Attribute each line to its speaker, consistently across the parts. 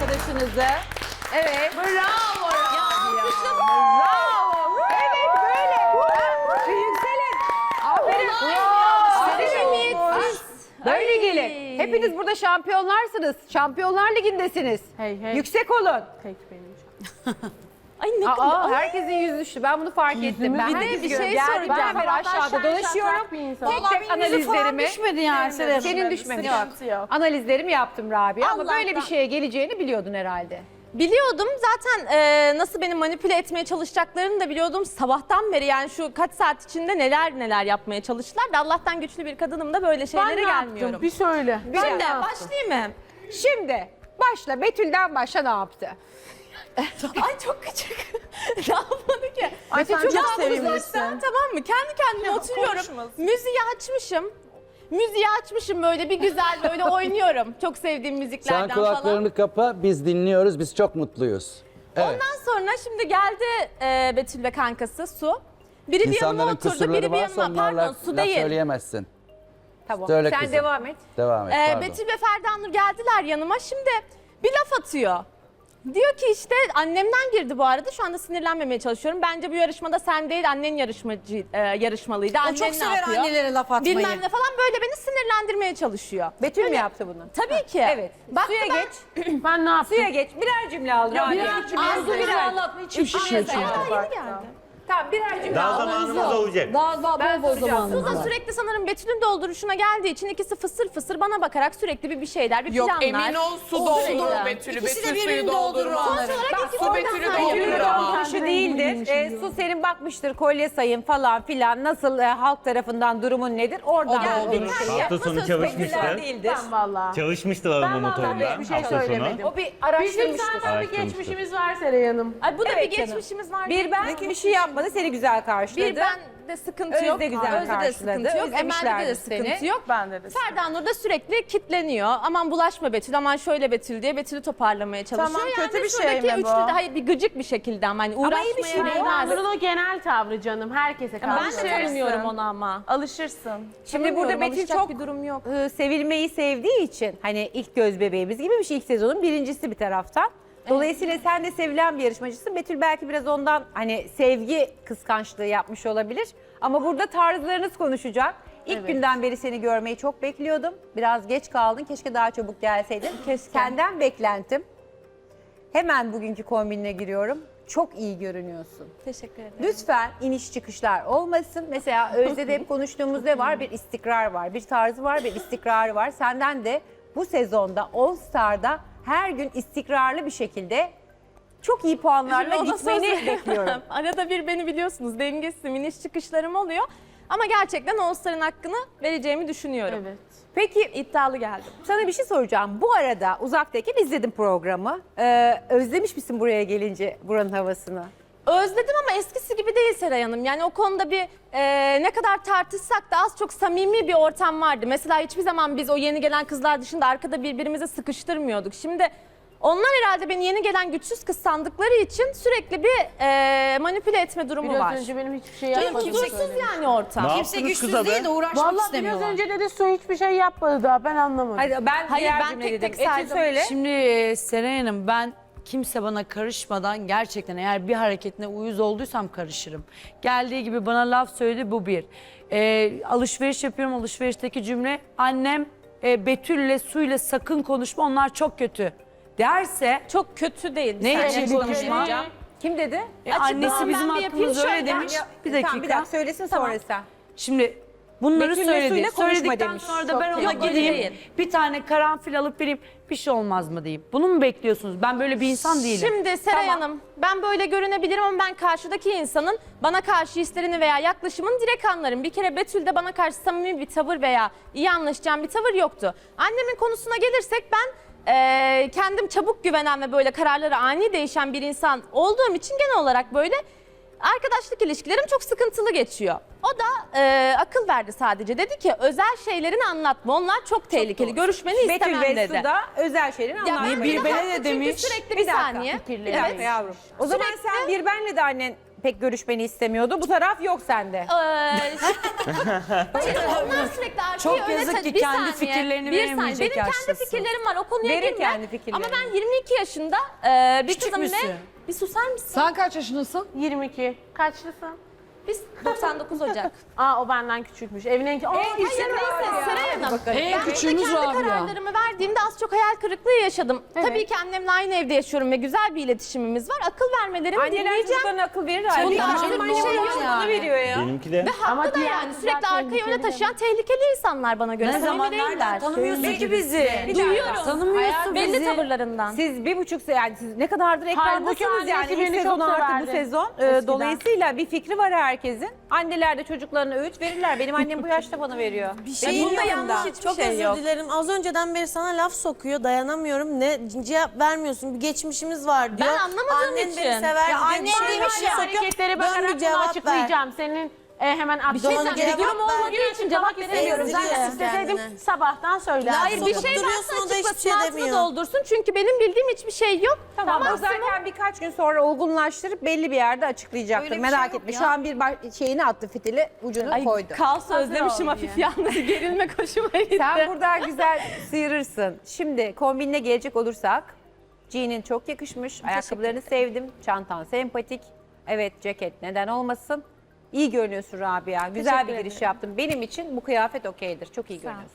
Speaker 1: arkadaşınızı. Evet.
Speaker 2: Bravo Rabia.
Speaker 1: Bravo. Evet böyle. Yükselin. Aferin.
Speaker 2: Samimiyetsiz.
Speaker 1: Böyle gelin. Hepiniz burada şampiyonlarsınız. Şampiyonlar Ligi'ndesiniz.
Speaker 2: Hey, hey.
Speaker 1: Yüksek olun.
Speaker 2: Tek benim.
Speaker 3: Ay ne kadar.
Speaker 1: Aa, herkesin yüzü düştü. Ben bunu fark ettim. Ben
Speaker 2: bir de
Speaker 1: herkesi
Speaker 3: bir şey
Speaker 1: görüyorum. Geldiğimden
Speaker 3: soracağım.
Speaker 1: beri aşağıda dolaşıyorum.
Speaker 2: Vallahi
Speaker 1: Tek tek analizlerimi.
Speaker 4: düşmedi yani Serap.
Speaker 1: Senin düşmemiş.
Speaker 2: Sıkıntı yok.
Speaker 1: Analizlerimi yaptım Rabia ama
Speaker 3: Allah'tan.
Speaker 1: böyle bir şeye geleceğini biliyordun herhalde.
Speaker 3: Biliyordum zaten nasıl beni manipüle etmeye çalışacaklarını da biliyordum. Sabahtan beri yani şu kaç saat içinde neler yapmaya çalıştılar da Allah'tan güçlü bir kadınım da böyle şeylere gelmiyorum.
Speaker 2: Bir söyle.
Speaker 3: Ben de başlayayım mı?
Speaker 1: Şimdi başla. Betül'den başla ne yaptı?
Speaker 3: Ay çok küçük. Ne yapmadı ki?
Speaker 2: Ay sen
Speaker 1: çok
Speaker 2: çok
Speaker 3: uzaktan,
Speaker 2: sevimlisin.
Speaker 3: tamam mı? Kendi kendime oturuyorum. Müziği açmışım. Müziği açmışım böyle bir güzel böyle oynuyorum. Çok sevdiğim müziklerden
Speaker 5: Sen
Speaker 3: falan.
Speaker 5: kulaklarını kapa, biz dinliyoruz, biz çok mutluyuz. Evet.
Speaker 3: Ondan sonra şimdi geldi Betül ve kankası Su. Biri bir yanıma
Speaker 5: İnsanların
Speaker 3: oturdu,
Speaker 5: kusurları
Speaker 3: biri bir
Speaker 5: varsa
Speaker 3: yanıma. Pardon
Speaker 5: onlarla
Speaker 3: Su
Speaker 5: laf
Speaker 3: değil.
Speaker 5: söyleyemezsin.
Speaker 1: Tamam.
Speaker 5: Söyle
Speaker 1: Sen
Speaker 5: kızım.
Speaker 1: devam et.
Speaker 5: Devam et, pardon.
Speaker 3: Betül ve Ferda Nur geldiler yanıma. Şimdi bir laf atıyor. Diyor ki işte annemden girdi bu arada. Şu anda sinirlenmemeye çalışıyorum. Bence bu yarışmada sen değil annen yarışmalıydı.
Speaker 4: O
Speaker 3: Annen
Speaker 4: çok
Speaker 3: ne
Speaker 4: sever
Speaker 3: yapıyor?
Speaker 4: annelere laf atmayı.
Speaker 3: Bilmem ne falan böyle beni sinirlendirmeye çalışıyor.
Speaker 1: Betül mü yaptı bunu?
Speaker 3: Tabii ki.
Speaker 1: Evet.
Speaker 3: Baktı
Speaker 1: Suya
Speaker 3: ben-
Speaker 1: geç.
Speaker 2: Ben ne yaptım?
Speaker 1: Suya geç. Birer cümle al. Rabia.
Speaker 2: birer cümle.
Speaker 1: Arzu birer.
Speaker 4: anlatma hiç
Speaker 2: İş işi için.
Speaker 3: Daha yeni geldi.
Speaker 1: Tamam birer cümle
Speaker 6: Daha
Speaker 1: al.
Speaker 6: zamanımız olacak.
Speaker 4: Daha
Speaker 1: Ben
Speaker 4: bol
Speaker 1: soracağım.
Speaker 3: Su
Speaker 4: zamanı.
Speaker 3: da sürekli sanırım Betül'ün dolduruşuna geldiği için ikisi fısır fısır bana bakarak sürekli bir şeyler, bir
Speaker 2: Yok
Speaker 3: planlar.
Speaker 2: emin ol su doldurur Betül'ü.
Speaker 4: İkisi de
Speaker 2: Betül suyu
Speaker 4: birbirini doldurur
Speaker 2: doldurmaz.
Speaker 4: onları.
Speaker 3: Sonuç olarak
Speaker 2: Su Betül'ü doldurur
Speaker 1: Betül'ün
Speaker 2: ama.
Speaker 1: dolduruşu değildir. Su senin bakmıştır kolye sayın falan filan. Nasıl halk tarafından durumun nedir? Oradan
Speaker 2: O
Speaker 1: olduğun
Speaker 2: doldurur.
Speaker 1: şeyi.
Speaker 6: Hafta sonu
Speaker 1: Betüller
Speaker 6: çalışmıştı.
Speaker 1: değildir.
Speaker 2: Ben valla.
Speaker 6: Çalışmıştı arama
Speaker 1: Ben vallahi
Speaker 6: motorunda
Speaker 1: bir şey
Speaker 6: hafta sonu.
Speaker 2: söylemedim.
Speaker 1: O bir
Speaker 2: Bizim
Speaker 1: araştırmıştır.
Speaker 2: zaten bir
Speaker 6: Araştırmıştır.
Speaker 2: geçmişimiz var Seray Hanım.
Speaker 3: Ay bu da
Speaker 1: Evet
Speaker 3: bir
Speaker 1: canım.
Speaker 3: geçmişimiz var.
Speaker 1: Bir ben bir şey yapmadı seni güzel karşıladı.
Speaker 3: Bir bende sıkıntı
Speaker 1: Özde
Speaker 3: yok.
Speaker 1: güzel
Speaker 3: Özde de
Speaker 1: karşıladı.
Speaker 3: sıkıntı yok. Emel'de de
Speaker 1: Özlemişlerdi
Speaker 3: sıkıntı
Speaker 1: seni.
Speaker 3: yok.
Speaker 2: Bende de.
Speaker 3: Ferda Nur da sürekli kitleniyor. Aman bulaşma Betül, aman şöyle Betül diye Betül'ü toparlamaya çalışıyor.
Speaker 2: Tamam,
Speaker 3: yani
Speaker 2: kötü bir şey
Speaker 3: şuradaki
Speaker 2: mi bu?
Speaker 3: üçlü de hayır bir gıcık bir şekilde ama hani uğraşmaya
Speaker 1: iyi bir şey değil.
Speaker 3: değmez.
Speaker 2: Nur'un o genel tavrı canım. Herkese karşı.
Speaker 3: Ben de tanımıyorum onu ama.
Speaker 2: Alışırsın.
Speaker 1: Şimdi burada
Speaker 3: Tanımıyorum,
Speaker 1: Betül
Speaker 3: alışacak
Speaker 1: çok
Speaker 3: bir durum yok.
Speaker 1: sevilmeyi sevdiği için hani ilk göz bebeğimiz gibi bir şey, ilk sezonun birincisi bir taraftan. Dolayısıyla sen de sevilen bir yarışmacısın. Betül belki biraz ondan hani sevgi kıskançlığı yapmış olabilir. Ama burada tarzlarınız konuşacak. İlk günden beri seni görmeyi çok bekliyordum. Biraz geç kaldın. Keşke daha çabuk gelseydin. Senden beklentim. Hemen bugünkü kombinine giriyorum. Çok iyi görünüyorsun.
Speaker 3: Teşekkür ederim.
Speaker 1: Lütfen iniş çıkışlar olmasın. Mesela Özde'de hep konuştuğumuz ne var? Bir istikrar var, bir tarzı var, bir istikrarı var. Senden de bu sezonda All Star'da her gün istikrarlı bir şekilde çok iyi puanlarla
Speaker 3: Ona
Speaker 1: gitmeni
Speaker 3: söz-
Speaker 1: bekliyorum.
Speaker 3: Arada bir beni biliyorsunuz dengesiz iniş çıkışlarım oluyor. Ama gerçekten All Star'ın hakkını vereceğimi düşünüyorum.
Speaker 2: Evet.
Speaker 1: Peki
Speaker 3: İddialı geldim.
Speaker 1: sana bir şey soracağım. Bu arada uzaktayken izledim programı. Özlemiş misin buraya gelince buranın havasını?
Speaker 3: Özledim ama eskisi gibi değil Seray Hanım. Yani o konuda bir ne kadar tartışsak da az çok samimi bir ortam vardı. Mesela hiçbir zaman biz o yeni gelen kızlar dışında arkada birbirimizi sıkıştırmıyorduk. Şimdi onlar herhalde beni yeni gelen güçsüz kız sandıkları için sürekli bir manipüle etme durumu
Speaker 2: Biraz
Speaker 3: var.
Speaker 2: önce benim hiçbir şey
Speaker 3: Canım
Speaker 2: yapmadığımı
Speaker 3: huzursuz
Speaker 2: söylemiş.
Speaker 3: yani ortam.
Speaker 6: Ne
Speaker 4: Kimse
Speaker 6: yaptınız
Speaker 4: güçsüz
Speaker 6: kıza be?
Speaker 4: değil de uğraşmak
Speaker 2: Vallahi biraz
Speaker 4: istemiyorlar.
Speaker 2: önce dedi su hiçbir şey yapmadı daha ben anlamadım.
Speaker 1: Hadi ben
Speaker 3: Hayır,
Speaker 1: diğer
Speaker 3: ben
Speaker 1: cümle
Speaker 3: tek
Speaker 1: dedim.
Speaker 3: tek
Speaker 1: Betül
Speaker 3: saydım.
Speaker 1: söyle.
Speaker 4: Şimdi Seray Hanım ben kimse bana karışmadan gerçekten eğer bir hareketine uyuz olduysam karışırım. Geldiği gibi bana laf söyledi bu bir. Alışveriş yapıyorum alışverişteki cümle annem Betül'le Su'yla sakın konuşma onlar çok kötü derse
Speaker 3: Çok kötü değil. Bir
Speaker 4: Ne
Speaker 3: saniye
Speaker 4: için
Speaker 3: konuşma.
Speaker 1: Kim dedi?
Speaker 4: annesi
Speaker 3: ben
Speaker 4: bizim
Speaker 3: bir yapayım
Speaker 4: hakkımızda öyle
Speaker 3: şöyle.
Speaker 4: demiş. Bir
Speaker 1: Tamam, bir
Speaker 4: dakika.
Speaker 1: dakika söylesin sonra sen.
Speaker 4: Şimdi bunları
Speaker 1: Betül'le
Speaker 4: söyledi.
Speaker 1: Su'yla konuşma
Speaker 4: Söyledikten
Speaker 1: demiş.
Speaker 4: sonra da ben ona
Speaker 3: Yok, öyle
Speaker 4: gideyim
Speaker 3: değil.
Speaker 4: bir tane karanfil alıp vereyim bir şey olmaz mı diyeyim. Bunu mu bekliyorsunuz? Ben böyle bir insan değilim.
Speaker 3: Şimdi Seray Hanım ben böyle görünebilirim ama ben karşıdaki insanın bana karşı hislerini veya yaklaşımını direkt anlarım. Bir kere Betül'de bana karşı samimi bir tavır veya iyi anlaşacağım bir tavır yoktu. Annemin konusuna gelirsek ben kendim çabuk güvenen ve böyle kararları ani değişen bir insan olduğum için genel olarak böyle arkadaşlık ilişkilerim çok sıkıntılı geçiyor. O da akıl verdi sadece. Dedi ki özel şeylerini anlatma. Onlar çok tehlikeli. Görüşmeni istemem
Speaker 1: Betül ve
Speaker 3: dedi.
Speaker 1: Su da özel şeylerin
Speaker 3: Ya ben
Speaker 1: anlatmayı.
Speaker 4: bir
Speaker 3: bir
Speaker 4: bene
Speaker 3: haklı
Speaker 4: de
Speaker 3: çünkü
Speaker 4: demiş.
Speaker 3: sürekli
Speaker 1: Bir
Speaker 3: bir
Speaker 1: dakika,
Speaker 3: saniye.
Speaker 1: Bir dakika yavrum. O zaman sen bir benle de annen pek görüşmeni istemiyordu. Bu taraf yok sende.
Speaker 3: Hayır, onlar sürekli arkayı
Speaker 4: Çok
Speaker 3: öne
Speaker 4: yazık ki
Speaker 3: bir
Speaker 4: kendi
Speaker 3: saniye,
Speaker 4: fikirlerini
Speaker 3: bir
Speaker 4: veremeyecek
Speaker 3: saniye. Benim kendi
Speaker 4: yaştasın.
Speaker 3: fikirlerim var, o konuya
Speaker 1: Verir
Speaker 3: girme.
Speaker 1: kendi fikirlerini.
Speaker 3: Ama ben 22 yaşında bir
Speaker 4: Küçük
Speaker 3: kızım
Speaker 4: müsün?
Speaker 3: ve... Bir susar mısın?
Speaker 6: Sen kaç yaşındasın?
Speaker 2: 22. Kaçlısın?
Speaker 3: Biz 99 Ocak.
Speaker 2: Aa o benden küçükmüş. Evin en küçük.
Speaker 3: Hayır neyse Seray Hanım.
Speaker 6: En
Speaker 3: Ben burada
Speaker 6: küçüğümüz
Speaker 3: kendi
Speaker 6: Rabia.
Speaker 3: kararlarımı verdiğimde az çok hayal kırıklığı yaşadım. Tabii ki annemle aynı evde yaşıyorum ve güzel bir iletişimimiz var. Akıl vermelerimi
Speaker 1: Anneler
Speaker 3: dinleyeceğim.
Speaker 1: çocuklarına akıl verir.
Speaker 3: Bunda
Speaker 1: Benim
Speaker 3: artık
Speaker 1: annem
Speaker 3: bir şey yok
Speaker 1: bana veriyor ya.
Speaker 7: Benimki de.
Speaker 3: Ve
Speaker 2: Ama
Speaker 3: haklı da
Speaker 2: diğer
Speaker 3: yani
Speaker 2: kızlar
Speaker 3: sürekli arkayı öne
Speaker 2: tehlikeli
Speaker 3: taşıyan tehlikeli insanlar bana göre.
Speaker 4: Ne
Speaker 3: Samimi
Speaker 4: zaman
Speaker 3: değiller.
Speaker 4: nereden tanımıyorsun ki bizi?
Speaker 3: Duyuyorum.
Speaker 4: Tanımıyorsun
Speaker 3: Belli
Speaker 4: bizi.
Speaker 3: tavırlarından.
Speaker 1: Siz 1,5 yani siz ne kadardır ekrandasınız
Speaker 2: Halbuki
Speaker 1: yani
Speaker 2: annesi
Speaker 1: ilk
Speaker 2: beni
Speaker 1: sezon
Speaker 2: çok
Speaker 1: artı bu
Speaker 2: severdi.
Speaker 1: sezon.
Speaker 2: Eskiden.
Speaker 1: Dolayısıyla bir fikri var herkesin. Anneler de çocuklarına öğüt verirler. Benim annem bu yaşta bana veriyor.
Speaker 8: Bir şey
Speaker 3: bunda
Speaker 8: yok.
Speaker 3: yanlış hiçbir
Speaker 8: Çok
Speaker 3: şey
Speaker 8: özür
Speaker 3: yok.
Speaker 8: dilerim. Az önceden beri sana laf sokuyor. Dayanamıyorum. Ne cevap vermiyorsun. Bir geçmişimiz var diyor.
Speaker 3: Ben anlamadığım
Speaker 8: Annen
Speaker 3: için.
Speaker 8: beni sever
Speaker 3: Ya
Speaker 8: diyor.
Speaker 3: annen
Speaker 8: Bir şey
Speaker 3: demiş
Speaker 8: sokuyor.
Speaker 2: Hareketleri
Speaker 8: Dön
Speaker 2: bakarak
Speaker 8: bir
Speaker 2: bunu
Speaker 8: cevap ver.
Speaker 2: açıklayacağım. Senin hemen
Speaker 3: Bir şey
Speaker 8: Doğru
Speaker 3: söyleyeyim.
Speaker 8: cevap
Speaker 3: Bir durum
Speaker 8: ver.
Speaker 3: olmadığı için cevap
Speaker 2: veremiyorum.
Speaker 3: veremiyorum.
Speaker 2: Ben
Speaker 8: Sen
Speaker 2: isteseydim
Speaker 8: kendine.
Speaker 2: sabahtan söylerdim.
Speaker 3: Hayır bir şey
Speaker 8: Duruyorsun,
Speaker 3: varsa
Speaker 8: o da hiçbir
Speaker 3: açıklasın,
Speaker 8: şey
Speaker 3: altını
Speaker 8: demiyor.
Speaker 3: doldursun. Çünkü benim bildiğim hiçbir şey yok.
Speaker 1: Tamam o
Speaker 3: Maksimum-
Speaker 1: zaten birkaç gün sonra olgunlaştırıp belli bir yerde açıklayacaktır.
Speaker 6: Öyle bir
Speaker 1: Merak
Speaker 6: şey yok
Speaker 1: etme.
Speaker 6: ya.
Speaker 1: Şu an bir şeyini attı fitili ucunu
Speaker 3: Ay,
Speaker 1: koydu.
Speaker 3: kaos özlemişim hafif yalnız. Gerilme hoşuma gitti.
Speaker 1: Sen buradan güzel sıyırırsın. Şimdi kombinine gelecek olursak. Jean'in çok yakışmış. Ayakkabılarını sevdim. Çantan sempatik. Evet ceket neden olmasın. İyi görünüyorsun Rabia. Güzel
Speaker 3: Teşekkür
Speaker 1: bir giriş
Speaker 3: ederim.
Speaker 1: yaptın. Benim için bu kıyafet okeydir. Çok iyi görünüyorsun.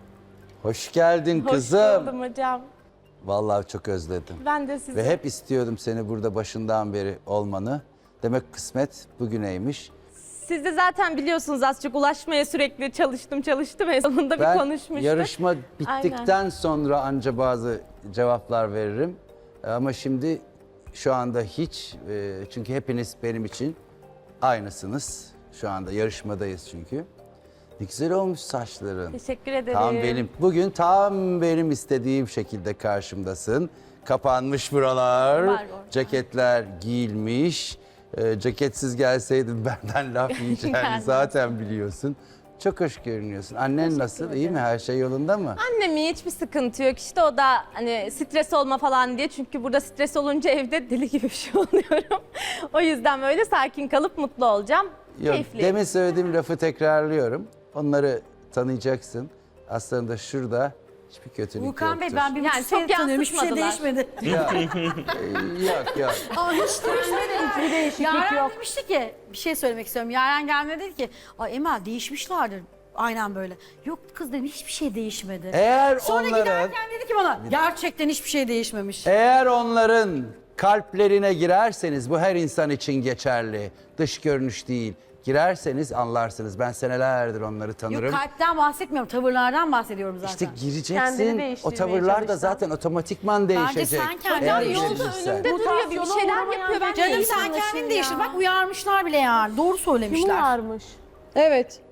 Speaker 5: Hoş geldin
Speaker 3: Hoş
Speaker 5: kızım.
Speaker 3: buldum hocam.
Speaker 5: Vallahi çok özledim.
Speaker 3: Ben de sizi.
Speaker 5: Ve hep istiyordum seni burada başından beri olmanı. Demek kısmet bugüneymiş.
Speaker 3: Siz de zaten biliyorsunuz az çok ulaşmaya sürekli çalıştım. En sonunda bir
Speaker 5: Ben
Speaker 3: konuşmuştuk.
Speaker 5: yarışma bittikten sonra anca bazı cevaplar veririm. Ama şimdi şu anda hiç. Çünkü hepiniz benim için aynısınız. Şu anda yarışmadayız çünkü. Ne güzel olmuş saçların.
Speaker 3: Teşekkür ederim.
Speaker 5: Bugün tam benim istediğim şekilde karşımdasın. Kapanmış buralar,
Speaker 3: Var orada.
Speaker 5: ceketler giyilmiş. Ceketsiz gelseydin benden laf yiyeceğini zaten biliyorsun. Çok hoş görünüyorsun. Annen nasıl? İyi mi? Her şey yolunda mı?
Speaker 3: Annemin hiçbir sıkıntı yok. İşte o da hani stres olma falan diye. Çünkü burada stres olunca evde deli gibi bir şey oluyorum. O yüzden böyle sakin kalıp mutlu olacağım.
Speaker 5: Yok,
Speaker 3: Keyifli.
Speaker 5: demin söylediğim lafı tekrarlıyorum. Onları tanıyacaksın. Aslında şurada hiçbir kötülük
Speaker 4: Volkan Bey
Speaker 5: yoktur.
Speaker 4: ben bir
Speaker 3: Yani
Speaker 4: buçuk senedir
Speaker 3: çok
Speaker 4: tanıyorum. Hiçbir şey
Speaker 3: yansıtmadılar.
Speaker 4: değişmedi.
Speaker 5: Yok.
Speaker 4: Aa, hiç değişmedi.
Speaker 2: Hiçbir değişiklik
Speaker 4: Yaren
Speaker 2: yok.
Speaker 4: demişti ki bir şey söylemek istiyorum. Yaren gelmedi dedi ki Ay Emel değişmişlerdir. Aynen böyle. Yok kız dedim hiçbir şey değişmedi.
Speaker 5: Eğer
Speaker 4: Sonra
Speaker 5: onların
Speaker 4: giderken dedi ki bana gerçekten hiçbir şey değişmemiş.
Speaker 5: Eğer onların kalplerine girerseniz, bu her insan için geçerli, dış görünüş değil, girerseniz anlarsınız. Ben senelerdir onları tanırım.
Speaker 4: Yok kalpten bahsetmiyorum tavırlardan bahsediyorum zaten.
Speaker 5: İşte
Speaker 2: Kendini
Speaker 5: gireceksin, o
Speaker 2: değiştirmeye
Speaker 5: tavırlar da
Speaker 2: çalışsan.
Speaker 5: zaten otomatikman değişecek.
Speaker 4: sen kendini
Speaker 5: Eğer
Speaker 4: değiştir.
Speaker 3: Yolda
Speaker 5: gireceksen.
Speaker 3: önümde duruyor bir şeyler
Speaker 2: uğramayan
Speaker 3: yapıyor. Ben
Speaker 4: Canım
Speaker 3: neyim
Speaker 4: sen
Speaker 3: anlaşılıyor
Speaker 4: kendini
Speaker 3: ya?
Speaker 4: değiştir. Bak uyarmışlar bile yani. Doğru
Speaker 2: Kim
Speaker 4: söylemişler.
Speaker 2: varmış?
Speaker 6: Evet.